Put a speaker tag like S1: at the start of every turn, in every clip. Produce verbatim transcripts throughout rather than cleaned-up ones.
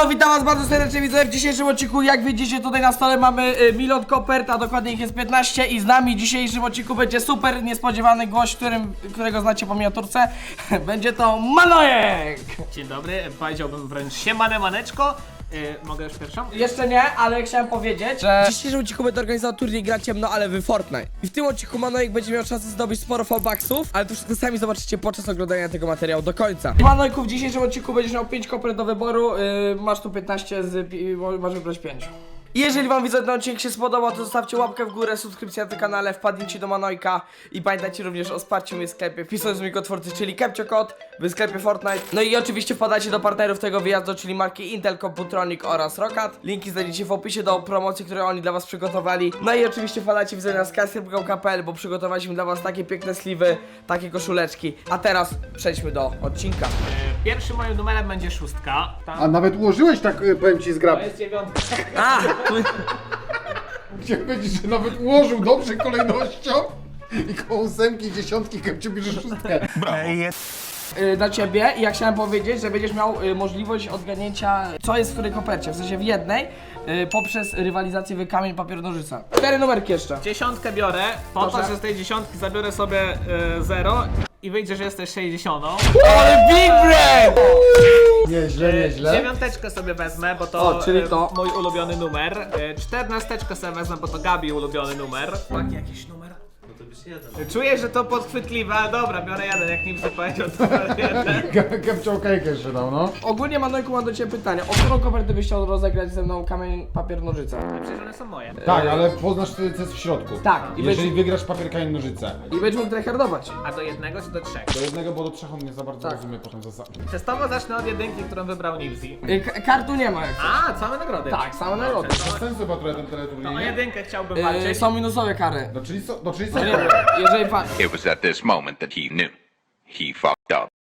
S1: Siemano, witam was bardzo serdecznie, widzowie. W dzisiejszym odcinku, jak widzicie, tutaj na stole mamy y, milion kopert, a dokładnie ich jest piętnaście. I z nami w dzisiejszym odcinku będzie super niespodziewany gość, którym, którego znacie po miniaturce. Będzie to Manojek!
S2: Dzień dobry, powiedziałbym wręcz siemane maneczko. Yy, mogę już pierwszą?
S1: Jeszcze nie, ale chciałem powiedzieć, że w dzisiejszym odcinku będę organizował turniej Gra Ciemno, ale w Fortnite. I w tym odcinku Manojek będzie miał szansę zdobyć sporo fallbacksów, ale to wszystko sami zobaczycie podczas oglądania tego materiału do końca. Manojku, w dzisiejszym odcinku będziesz miał pięć kopert do wyboru, yy, masz tu piętnaście, z, yy, masz wybrać pięć. Jeżeli wam widzę, ten odcinek się spodobał, to zostawcie łapkę w górę, subskrypcję na tym kanale, wpadnijcie do Manojka i pamiętajcie również o wsparciu mnie w sklepie wpisując mój kod twórcy, czyli KepcioKod w sklepie Fortnite. No i oczywiście wpadajcie do partnerów tego wyjazdu, czyli marki Intel, Computronic oraz Roccat. Linki znajdziecie w opisie do promocji, które oni dla was przygotowali. No i oczywiście wpadajcie widzę na skyscraper kropka p l, bo przygotowaliśmy dla was takie piękne sliwy, takie koszuleczki. A teraz przejdźmy do odcinka.
S2: Yy, pierwszym moim numerem będzie szóstka. Tam
S3: A nawet ułożyłeś tak, y, powiem ci, zgrab.
S2: to jest dziewiątka.
S1: A!
S3: Chciałem powiedzieć, że nawet ułożył dobrze kolejnością i koło ósemki, dziesiątki, Kepcio bierze szóstkę.
S1: y, dla ciebie i ja chciałem powiedzieć, że będziesz miał y, możliwość odgadnięcia, co jest w której kopercie, w sensie w jednej, y, poprzez rywalizację w kamień, papier, nożyce. Cztery numerki jeszcze.
S2: Dziesiątkę biorę, po
S1: Proszę.
S2: to, że z tej dziesiątki zabiorę sobie yy, zero i wyjdzie, że jesteś sześćdziesiątą.
S1: Ale big brain!
S3: Nieźle,
S2: Yy,
S3: nieźle.
S2: Dziewiąteczkę sobie wezmę, bo to,
S1: O, czyli
S2: yy,
S1: to.
S2: mój ulubiony numer. Yy, Czternasteczkę sobie wezmę, bo to Gabi ulubiony numer. Taki jakiś numer? Yy, Czuję, że to podchwytliwe, ale dobra, biorę jeden, jak Nimsy powiedział, to biorę jeden.
S3: Kepcio okejkę jeszcze dał, no.
S1: Ogólnie Manojku, mam do ciebie pytanie, o którą kopertę byś chciał rozegrać ze mną kamień, papier, nożyce?
S2: Przecież one są moje.
S3: Tak, ale poznasz wtedy, co jest w środku.
S1: Tak, i
S3: Jeżeli
S1: będziesz-
S3: wygrasz papier, kamień, nożyce.
S1: I będziesz mógł tryhardować.
S2: A do jednego czy do trzech?
S3: Do jednego, bo do trzech on nie za bardzo
S1: Tak.
S3: rozumie potem zasady.
S2: Testowo zacznę od jedynki, którą wybrał Nimsy.
S1: Y, k- kartu nie ma jak chcesz.
S2: A, same nagrody.
S1: Tak, same nagrody.
S2: Dobrze,
S3: Bez
S2: to-
S3: sensu chyba trochę ten
S2: To
S3: teleturniej,
S2: o
S3: nie?
S2: jedynkę chciałbym
S1: Y,
S2: walczyć.
S1: są minusowe kary.
S3: No czyli co? No czyli co?
S1: No nie wiem, jeżeli pan...
S4: It was at this moment that he knew. He fucked up.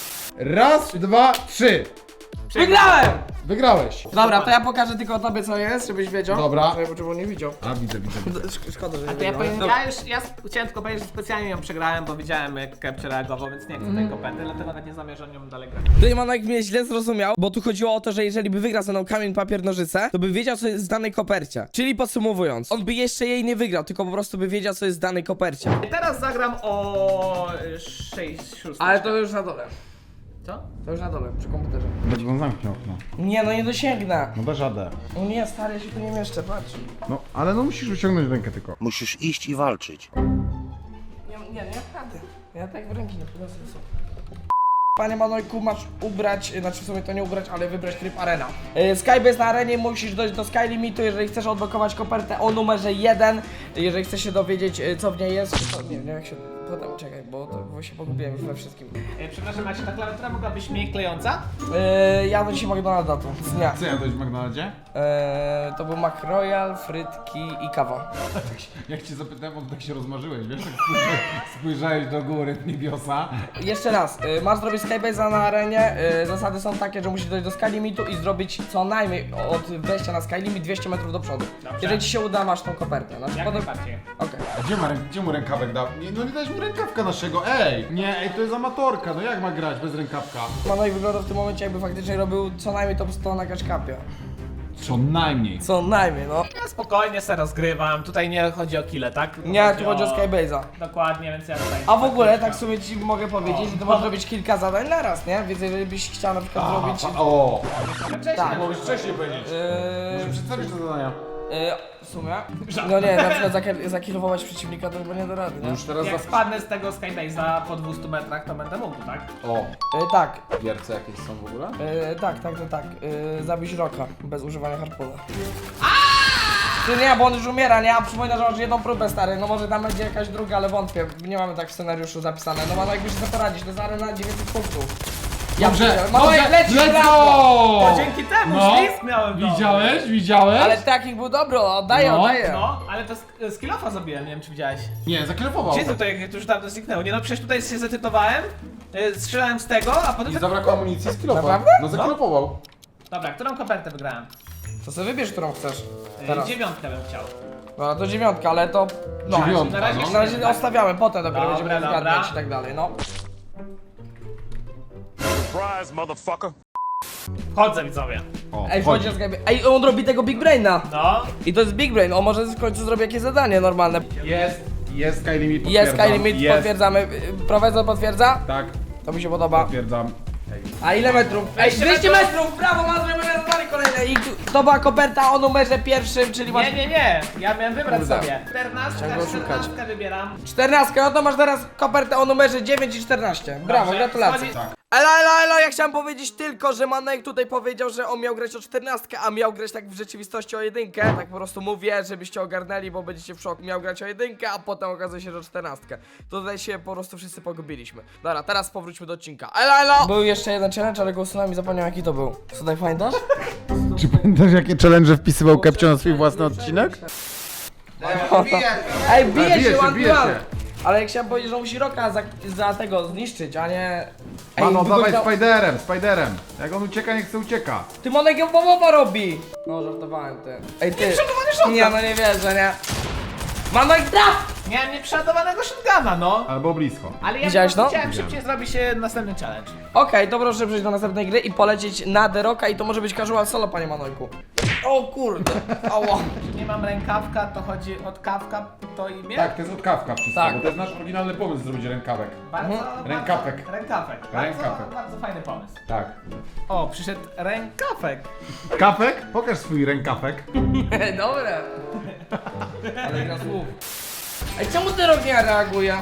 S3: Raz, dwa, trzy.
S1: Wygrałem!
S3: Wygrałeś.
S1: Dobra, to ja pokażę tylko tobie co jest, żebyś wiedział.
S3: Dobra.
S1: Żeby, żeby on nie widział.
S3: A widzę, widzę. widzę.
S1: Sz- Szkoda, że nie
S2: A to ja,
S1: wygrałem.
S2: powiem, ja już, ja sp- chciałem tylko powiedzieć, że specjalnie ją przegrałem, bo widziałem jak Kepcio reagował, więc nie chcę tej koperty, dlatego nawet nie zamierzam nią dalej grać.
S1: Tutaj Manojek mnie źle zrozumiał, bo tu chodziło o to, że jeżeli by wygrał ze mną kamień, papier, nożyce, to by wiedział, co jest w danej kopercie. Czyli podsumowując, on by jeszcze jej nie wygrał, tylko po prostu by wiedział, co jest w danej kopercie.
S2: I teraz zagram o sześć szóstek.
S1: Ale to już na dole.
S2: Co?
S1: To już na dole, przy komputerze.
S3: Będzie on zamknie okno.
S1: Nie, no nie dosięgnę.
S3: No dasz radę.
S1: No nie, stary, ja się tu nie mieszczę, patrz.
S3: No, ale no musisz wyciągnąć rękę tylko.
S5: Musisz iść i walczyć.
S1: Nie, nie, nie naprawdę. Ja tak w ręki nie podniosę. Panie Manojku, masz ubrać, znaczy w sumie to nie ubrać, ale wybrać tryb arena. Yy, Skybase na arenie, musisz dojść do Sky Limitu, jeżeli chcesz odblokować kopertę o numerze jeden. Jeżeli chcesz się dowiedzieć, yy, co w niej jest, to nie wiem jak się... Potem, czekaj, bo, to, bo się pogubiłem już we wszystkim.
S2: E, przepraszam, a czy ta klawiatura mogła być mniej klejąca?
S1: Yy, ja do dzisiaj McDonalda tu, z dnia.
S3: Co jadłeś w McDonaldzie?
S1: Yy, to był Mac Royal, frytki i kawa.
S3: Jak cię zapytałem, on tak się rozmarzyłeś, wiesz? Tak spojrzałeś, spojrzałeś do góry w niebiosa.
S1: Jeszcze raz, y, masz zrobić Skybase'a na arenie, y, zasady są takie, że musisz dojść do Sky Limitu i zrobić co najmniej od wejścia na Sky Limit dwieście metrów do przodu.
S2: Dobrze.
S1: Jeżeli ci się uda, masz tą kopertę. Znaczy,
S2: Jak
S1: potem...
S2: najbardziej.
S1: Okej.
S3: A gdzie, ma, rę- gdzie mu rękawek dał? Nie, no nie dałeś mu rękawka naszego, ej! Nie, ej, to jest amatorka, no jak ma grać bez rękawka?
S1: Manojek wygląda w tym momencie, jakby faktycznie robił co najmniej top sto na catch-cupie.
S3: Co najmniej.
S1: Co najmniej, no.
S2: Ja spokojnie se rozgrywam, tutaj nie chodzi o kile, tak? Tylko
S1: Nie, tu chodzi o Skybase'a.
S2: Dokładnie, więc ja tutaj...
S1: A w ogóle, tak sobie ci mogę powiedzieć, że ty możesz robić kilka zadań naraz, nie? Więc jeżeli byś chciał na przykład zrobić...
S3: O!
S2: Wcześniej
S1: Tak.
S3: Mogłeś wcześniej powiedzieć. Może
S1: Yy,
S3: przedstawić te zadania.
S1: yy, w sumie? No nie, na przykład zaki- zakilowować przeciwnika to chyba nie da rady, nie?
S3: Już teraz
S2: Jak
S3: za...
S2: spadnę z tego Skybase'a po dwustu metrach, to będę mógł, tak?
S3: O!
S1: Yy, tak,
S3: Wierce jakieś są w ogóle?
S1: Yy, tak, tak, tak, tak. Yy, zabić Roka bez używania harpuna. Ty nie, bo on już umiera, nie? A przypomnę, że masz jedną próbę, stary. No może tam będzie jakaś druga, ale wątpię. Nie mamy tak w scenariuszu zapisane. No ma jakbyś sobie poradzić, to jest arena dziewięćset punktów. Ja
S3: Dobrze,
S1: pierdzielę.
S3: dobrze,
S1: Manojek, lecisz,
S3: let's
S1: brawo!
S3: go!
S2: To dzięki temu
S3: No.
S2: ślizg miałem dobry.
S3: Widziałeś? Widziałeś?
S1: Ale takich był dobry, oddaję,
S3: No,
S1: oddaję.
S2: No, ale to sk- skillofa zrobiłem, nie wiem czy widziałeś.
S3: Nie, zaklepował.
S2: Gdzie tutaj, jak to już dawno zniknęło? Nie no, przecież tutaj się zetytowałem, yy, strzelałem z tego, a potem...
S3: I zabrakło amunicji z kilofa.
S1: Naprawdę?
S3: No zaklepował.
S2: Dobra, którą kopertę wygrałem?
S1: To sobie wybierz, którą chcesz.
S2: Yy,
S1: Teraz.
S2: dziewiątkę bym chciał.
S1: No to dziewiątka, ale to... No,
S3: Dziewiątka,
S2: na razie
S3: no.
S1: na razie ostawiamy, potem dopiero
S2: Dobra,
S1: będziemy
S2: dobra.
S1: zgadniać i tak dalej, no.
S5: Surprise, motherfucker.
S2: Chodzę, widzowie.
S3: O,
S1: Ej,
S3: wchodzi.
S1: wchodzi na Skype. Ej, on robi tego Big Braina.
S2: No.
S1: I to jest Big Brain, on może w końcu zrobi jakieś zadanie normalne.
S3: Jest, jest Skylimit,
S1: Jest
S3: potwierdzam.
S1: Skylimit,
S3: Jest.
S1: potwierdzamy. Y, Profesor potwierdza?
S3: Tak,
S1: To mi się podoba.
S3: potwierdzam.
S1: A ile metrów? Ej,
S2: dwieście
S1: dwieście
S2: metrów.
S1: metrów! Brawo, ma zrobione zadanie kolejne. I tu- to była koperta o numerze pierwszym, czyli masz...
S2: Nie, nie, nie. Ja miałem wybrać
S1: Kurde.
S2: sobie. czternastka,
S1: Chciałem go szukać.
S2: czternastkę wybieram.
S1: czternastkę, no to masz teraz kopertę o numerze dziewięć i czternaście. Brawo,
S2: Dobrze,
S1: gratulacje.
S2: wchodzi-
S1: Elo, elo, elo, ja chciałem powiedzieć tylko, że Manek tutaj powiedział, że on miał grać o czternastkę, a miał grać tak w rzeczywistości o jedynkę. Tak po prostu mówię, żebyście ogarnęli, bo będziecie w szoku. Miał grać o jedynkę, a potem okazuje się, że o czternastkę. Tutaj się po prostu wszyscy pogubiliśmy. Dobra, teraz powróćmy do odcinka. Elo, elo! Był jeszcze jeden challenge, ale go usunąłem i zapomniałem jaki to był. Tutaj pamiętasz?
S3: Czy pamiętasz jakie challenge wpisywał Kepcio na swój własny odcinek?
S1: Ej, bije
S3: bije
S1: się,
S3: się,
S1: one
S3: bije
S1: to one.
S3: się.
S1: Ale jak chciałem powiedzieć, że musi Roka za, za tego zniszczyć, a nie... Ej,
S3: Mano, dawaj
S1: wygląda-
S3: Spiderem, Spiderem. Jak on ucieka, niech se ucieka.
S1: Ty Monek ją połowa robi! No, żartowałem ty. Ej, ty. Nie, no nie wierzę, nie. Manek traf!
S2: Miałem nieprzeładowanego shotguna, no.
S3: Albo blisko.
S2: Ale ja
S1: Widziałeś
S2: po prostu
S1: to?
S2: chciałem szybciej zrobić e, następny challenge.
S1: Okej, to proszę przejść do następnej gry i polecieć na The Rocka i to może być casual solo, panie Manojku. O kurde, ała.
S2: Nie mam rękawka, to chodzi od kawka, to imię?
S3: Tak, to jest od kawka wszystko,
S1: Tak.
S3: bo to jest nasz oryginalny pomysł zrobić rękawek.
S2: Bardzo,
S1: Mhm.
S3: Rękawek.
S2: Bardzo, rękawek. Bardzo,
S3: Rękawek.
S2: bardzo fajny pomysł.
S3: Tak.
S2: O, przyszedł rękawek.
S3: Kafek? Pokaż swój rękawek.
S1: Dobre. Ale gra słów. Ej, czemu The Rock nie reaguje?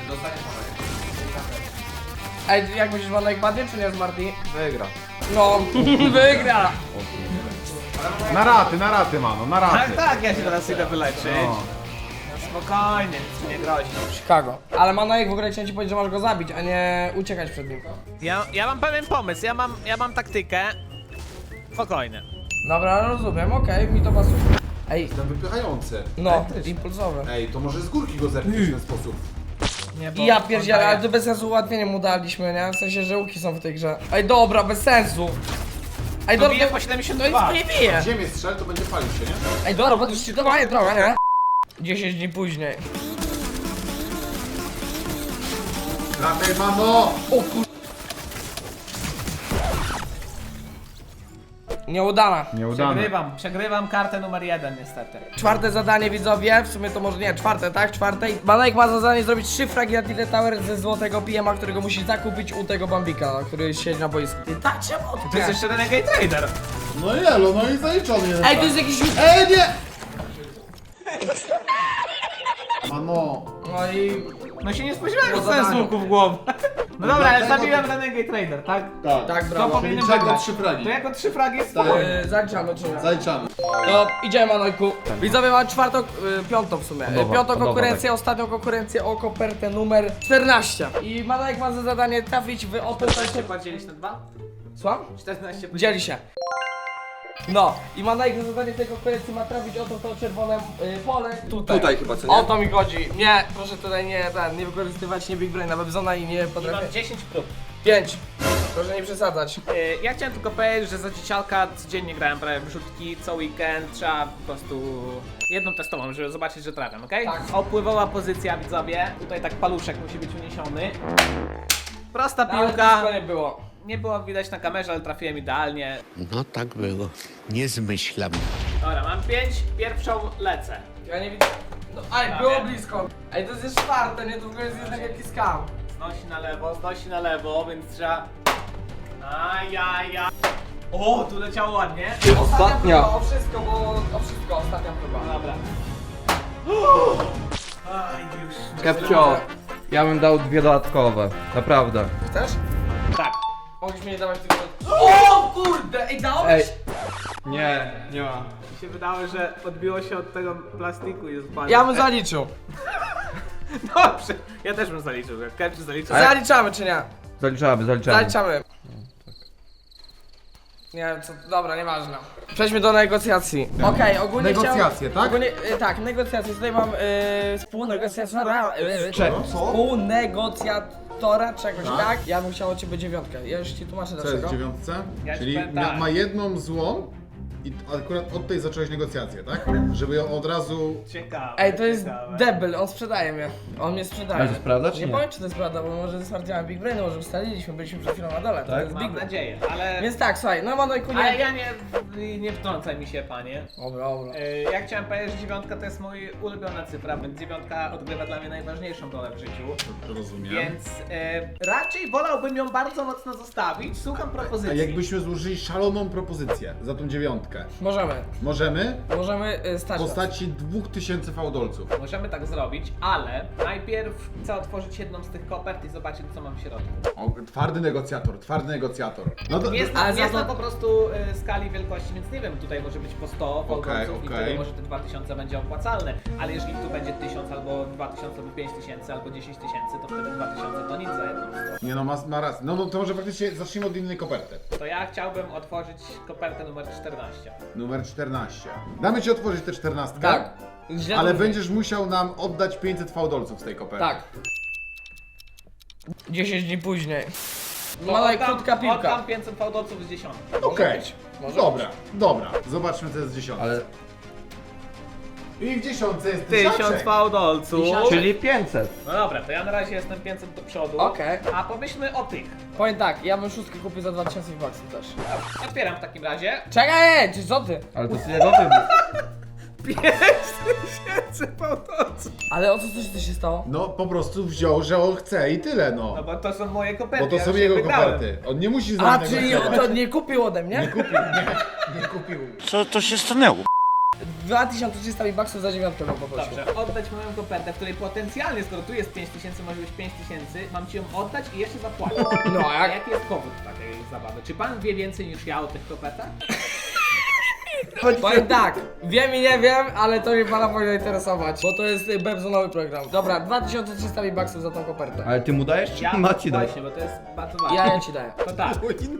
S1: Ej, jak myślisz, Manek padnie czy nie z Marty?
S5: Wygra.
S1: No, wygra.
S3: Na raty, na raty, mano, na raty.
S2: Tak, tak, ja się teraz idę wyleczyć.
S3: No.
S2: No spokojnie, nic mi nie grozi.
S1: Chicago. Ale Manojek w ogóle chciałem ci powiedzieć, że masz go zabić, a nie uciekać przed nim.
S2: Ja, ja mam pewien pomysł, ja mam, ja mam taktykę. Spokojnie.
S1: Dobra, rozumiem, okej, mi to pasuje. Ej,
S5: Jestem wypychający.
S1: no, impulsowe.
S5: Ej, to może z górki go zepnąć w ten sposób.
S2: Nie, bo
S1: I ja
S2: on
S1: pierdzielę,
S2: daje-
S1: ale to bez sensu ułatwienie mu daliśmy, nie? W sensie, że łuki są w tej grze. Ej, dobra, bez sensu. Ej,
S2: To
S1: dobra,
S2: bije
S1: to-
S2: po
S1: to
S2: siedemdziesiąt
S1: nic
S2: dwa.
S1: nie bije.
S5: W ziemię strzel, to będzie palił się, nie?
S1: Ej, dobra, bo to już dawaje trochę, nie? dziesięć dni później.
S5: Lataj, mamo!
S1: O kur... Nieudana.
S3: Nieudane.
S2: Przegrywam, przegrywam kartę numer jeden niestety.
S1: Czwarte zadanie, widzowie, w sumie to może nie, czwarte, tak? Czwarte. Manojek ma za zadanie zrobić trzy fragi na Tilted Tower ze złotego P M a, którego musi zakupić u tego Bambika, który siedzi na boisku. Ty tak czemu
S2: To jest jeszcze Renegade Trader.
S3: No jelo, no i zaliczony.
S1: Ej, to jest jakiś...
S3: Ej, nie! Mano.
S1: No i...
S2: No się nie spodziewałem, że
S1: Było
S2: dostałem z
S1: zadanie.
S2: łuku w głowę. No dobra, ale
S5: dlatego
S2: zabiłem Renegade Trader, tak?
S5: Tak.
S1: Tak,
S2: To
S1: brawo.
S2: powinienem
S5: Czyli czego
S2: wygrać.
S5: trzy fragi?
S2: To jako trzy fragi jest
S5: Tak.
S2: spokojnie.
S1: Yy, zaliczamy, czy nie?
S5: Zaliczamy.
S1: To idziemy, Manojku. Widzowie, mamy czwartą, y, piątą w sumie.
S3: Nowa,
S1: piątą
S3: nowa,
S1: konkurencję, ostatnią konkurencję o kopertę numer czternaście. I Manojek ma za zadanie trafić w oto się...
S2: Podzielić na dwa?
S1: Słucham?
S2: czternaście
S1: Dzieli się. No, i Manojek za zadanie tej konkurencji ma trafić oto to czerwone y, pole. Tutaj.
S5: Tutaj chyba, co nie?
S1: O to mi chodzi. Nie, proszę tutaj nie, ten, nie wykorzystywać nie Big Braina, Webzona i nie
S2: I
S1: potrafię.
S2: mam dziesięć prób.
S1: Pięć. Proszę nie przesadzać.
S2: Yy, ja chciałem tylko powiedzieć, że za dziecialka codziennie grałem prawie w rzutki, co weekend, trzeba po prostu jedną testową, żeby zobaczyć, że trafiam, okej?
S1: Tak.
S2: Opływowa pozycja, widzowie. Tutaj tak paluszek musi być uniesiony. Prosta
S1: Ale
S2: piłka.
S1: blisko nie było.
S2: Nie było widać na kamerze, ale trafiłem idealnie.
S6: No tak było. Nie zmyślam.
S2: Dobra, mam pięć, pierwszą lecę.
S1: Ja nie widzę. No, aj, było blisko. Ej, to jest już czwarte, nie? To w ogóle jest jednak jakiś skam.
S2: Znosi na lewo, znosi na lewo, więc trzeba... Ajaja. O, tu leciało ładnie.
S1: Ostatnia próba, o wszystko, bo o wszystko, ostatnia próba.
S2: Dobra. Aj, już.
S7: Kepcio, ja bym dał dwie dodatkowe, naprawdę.
S1: Chcesz?
S2: Tak.
S1: Mogliśmy nie dawać tylko... O kurde! Ej, dałeś?
S7: Ej. Nie, nie ma.
S2: Mi się wydało, że odbiło się od tego plastiku i jest bardzo.
S1: Ja bym zaliczył.
S2: Dobrze, ja też bym zaliczył. Jak Kepcio zaliczył.
S1: Zaliczamy czy nie?
S7: Zaliczamy, zaliczamy.
S1: Zaliczamy. Nie, co, dobra, nieważne. Przejdźmy do negocjacji. Okej, ogólnie
S3: Negocjacje,
S1: chciałem,
S3: tak?
S1: Ogólnie, y, tak, negocjacje. Tutaj mam y, współnegocjatora. Y,
S3: Czego?
S1: Współnegocjatora czegoś,
S3: Tak?
S1: tak? Ja bym chciał od ciebie dziewiątkę. Ja już ci tłumaczę
S3: Co jest
S1: dlaczego.
S3: w dziewiątce?
S2: Ja ci
S3: Czyli
S2: powiem
S3: ma,
S2: tak.
S3: ma jedną złą I akurat od tej zacząłeś negocjacje, tak? Żeby ją od razu...
S2: Ciekawe.
S1: Ej, to jest
S2: ciekawe.
S1: debil, on sprzedaje mnie. On mnie sprzedaje.
S7: Ale to jest prawda, czy
S1: Nie
S7: nie?
S1: powiem, czy to jest prawda, bo może stwierdziłem Big Brain, może ustaliliśmy, byliśmy przed chwilą na dole. To
S7: Tak?
S1: jest Big
S2: Mam
S1: Brain.
S2: nadzieję, ale...
S1: Więc tak, słuchaj, no Manojku
S2: Ale
S1: nie...
S2: ja nie, nie wtrącaj mi się, panie.
S1: Dobra, dobra.
S2: Yy, Ja chciałem powiedzieć, że dziewiątka to jest mój ulubiona cyfra, więc dziewiątka odgrywa dla mnie najważniejszą rolę w życiu.
S3: Rozumiem.
S2: Więc yy, raczej wolałbym ją bardzo mocno zostawić. Słucham
S3: A
S2: propozycji.
S3: jakbyśmy złożyli szaloną propozycję za tą dziewiątkę?
S1: Możemy,
S3: Możemy?
S1: możemy y,
S3: W
S1: stać nas.
S3: postaci dwóch tysięcy fałdolców.
S2: Możemy tak zrobić, ale najpierw chcę otworzyć jedną z tych kopert i zobaczyć, co mam w środku.
S3: O, twardy negocjator, twardy negocjator. No to,
S2: Nie,
S3: to,
S2: zna,
S1: ale
S2: nie
S1: za to-
S2: znam po prostu y, skali wielkości, więc nie wiem, tutaj może być po sto fałdolców i
S3: okej.
S2: wtedy może te dwa tysiące będzie opłacalne, ale jeżeli tu będzie tysiąc albo dwa tysiące albo pięć tysięcy albo dziesięć tysięcy, to wtedy dwa tysiące to nic za jedną stronę.
S3: nie no, ma, ma rację. No, no to może faktycznie zacznijmy od innej koperty.
S2: To ja chciałbym otworzyć kopertę numer czternaście.
S3: Numer czternaście. Damy ci otworzyć tę czternastkę.
S1: Tak. Źle
S3: Ale
S1: to-
S3: będziesz musiał nam oddać pięćset fałdolców z tej koperty.
S1: Tak. dziesięć dni później. Mała i krótka piłka.
S2: Oddam pięćset fałdolców z dziesiątki.
S3: Okej.
S1: być, może
S3: Dobra, dobra. Zobaczmy co jest w dziesiątce.
S7: Ale...
S3: I w dziesiątce jest
S2: Tysiąc
S3: tysiączek.
S2: fałdolców.
S7: Czyli pięćset.
S2: No dobra, to ja na razie jestem pięćset do przodu.
S1: Okej.
S2: A pomyślmy o tych.
S1: Powiem tak, ja bym szóstkę kupił za dwa tysiące baksów też.
S2: Otwieram w takim razie.
S1: Czekaj, ej, czy co ty?
S7: Ale to jest jego wybór.
S2: pięć tysięcy fałdolców.
S1: Ale o co coś się stało?
S3: No po prostu wziął, że on chce i tyle no.
S2: No bo to są moje koperty.
S3: Bo to
S2: ja
S3: są
S2: już
S3: jego
S2: wygrałem.
S3: koperty. On nie musi z
S1: A,
S3: nami
S1: czyli
S3: negocjować.
S1: to nie kupił ode mnie?
S3: Nie kupił, nie, nie kupił.
S6: Co to się stanęło?
S1: dwa tysiące trzysta baksów za dziewiątkę bym poprosił.
S2: Dobrze, oddać moją kopertę, w której potencjalnie, skoro tu jest pięć tysięcy, może być pięć tysięcy, mam ci ją oddać i jeszcze zapłacić.
S1: No, a
S2: A
S1: jak?
S2: jaki jest powód takiej zabawy? Czy pan wie więcej niż ja o tych kopertach?
S1: Powiem tak, wiem i nie wiem, ale to mnie pana powinno interesować, bo to jest y, Bebzonowy program. Dobra, dwa tysiące trzysta baksów za tą kopertę.
S7: Ale ty mu dajesz, czy
S2: Ja
S7: ma ci dać?
S2: właśnie, bo to jest bardzo ważne.
S1: Ja, ja ci daję.
S2: To tak.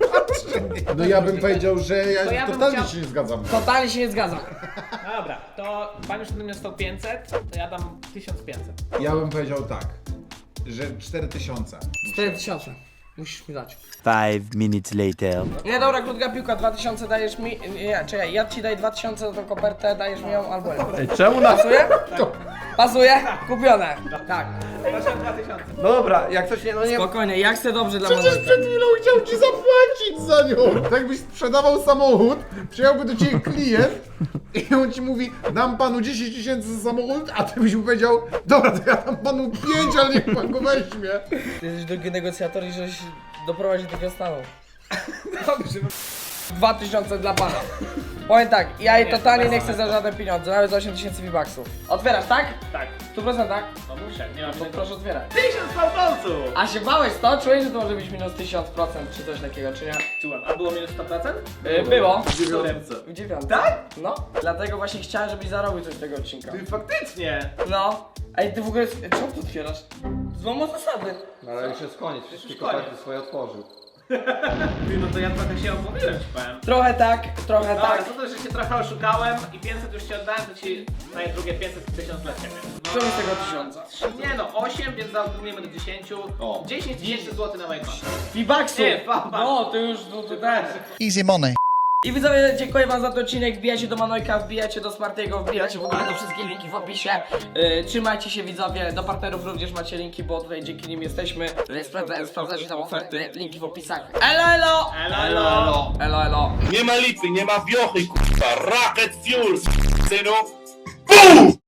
S3: No ja bym powiedział, że ja,
S2: To ja bym
S3: totalnie
S2: chciał-
S3: się nie zgadzam.
S1: Totalnie się nie zgadzam.
S2: No dobra, to pan już ode mnie stał pięćset, to ja dam tysiąc pięćset.
S3: Ja bym powiedział tak, że cztery tysiące.
S1: cztery tysiące. Musisz mi dać.
S6: Five minutes later.
S1: Nie, dobra, krótka piłka, dwa tysiące dajesz mi... Nie, czekaj, ja ci daję dwa tysiące za tą kopertę, dajesz mi ją albo nie.
S7: Ej, czemu na...
S1: Pasuje? Pasuje? Kupione. Tak.
S2: Proszę dwa tysiące.
S7: Dobra, jak coś nie, no nie...
S1: Spokojnie, jak chcę dobrze dla
S3: Przecież
S1: Manojka.
S3: przed chwilą chciał ci zapłacić za nią! Tak jakbyś sprzedawał samochód, przyjechałby do ciebie klient i on ci mówi, dam panu dziesięć tysięcy za samochód, a ty byś mu powiedział, dobra, to ja dam panu pięć, ale niech pan go weźmie.
S1: Ty jesteś drugi negocjator i żeś doprowadził do tego stanu.
S2: Dobrze.
S1: dwa tysiące dla pana. Powiem tak, ja jej
S2: Nie,
S1: totalnie
S2: to
S1: nie
S2: bez
S1: chcę za żadne pieniądze, nawet za osiem tysięcy V-Bucksów. Otwierasz, tak?
S2: Tak,
S1: W stu procentach?
S2: no muszę, nie mam
S1: To
S2: czego.
S1: proszę otwierać.
S2: Tysiąc fałdolców!
S1: A się bałeś to? Czułeś, że to może być minus tysiąc procent czy coś takiego, czy nie?
S2: Czułem, a było minus sto procent?
S1: Yy, było.
S2: W dziewiątce.
S1: W dziewiątce.
S2: Tak?
S1: No. Dlatego właśnie chciałem, żebyś zarobił coś z tego odcinka.
S2: Ty faktycznie!
S1: No. Ej, ty w ogóle... Czemu to otwierasz? Złamał zasady.
S7: Ale już jest koniec, wszystkie
S2: Już koniec.
S7: koperty swoje otworzył.
S2: Ty, no to ja trochę się opowiem, ci powiem.
S1: Trochę tak, trochę
S2: Dobra,
S1: tak.
S2: to to, że się trochę oszukałem i pięćset już ci oddałem, to ci daję drugie pięćset tysiąc dla ciebie.
S1: Czemu z tego tysiąca?
S2: Nie no, osiem, więc zaokrąglimy do dziesięciu.
S3: O.
S2: dziesięć tysięcy złotych na moje konto.
S1: V-Bucksów!
S2: Nie, V-Bucksów.
S1: No, to już, no to też.
S6: Easy money.
S1: I widzowie, dziękuję wam za ten odcinek, wbijacie do Manojka, wbijacie do Smartiego, wbijacie w ogóle do wszystkich linki w opisie. Yy, trzymajcie się widzowie, do partnerów również macie linki, bo tutaj dzięki nim jesteśmy. Sprawdza, sprawdzacie tam oferty, linki w opisach. Elo, elo!
S2: Elo, elo!
S1: Elo, elo!
S8: Nie ma lipy, nie ma wiochy, kurwa, rocket fuel, synu. BUM!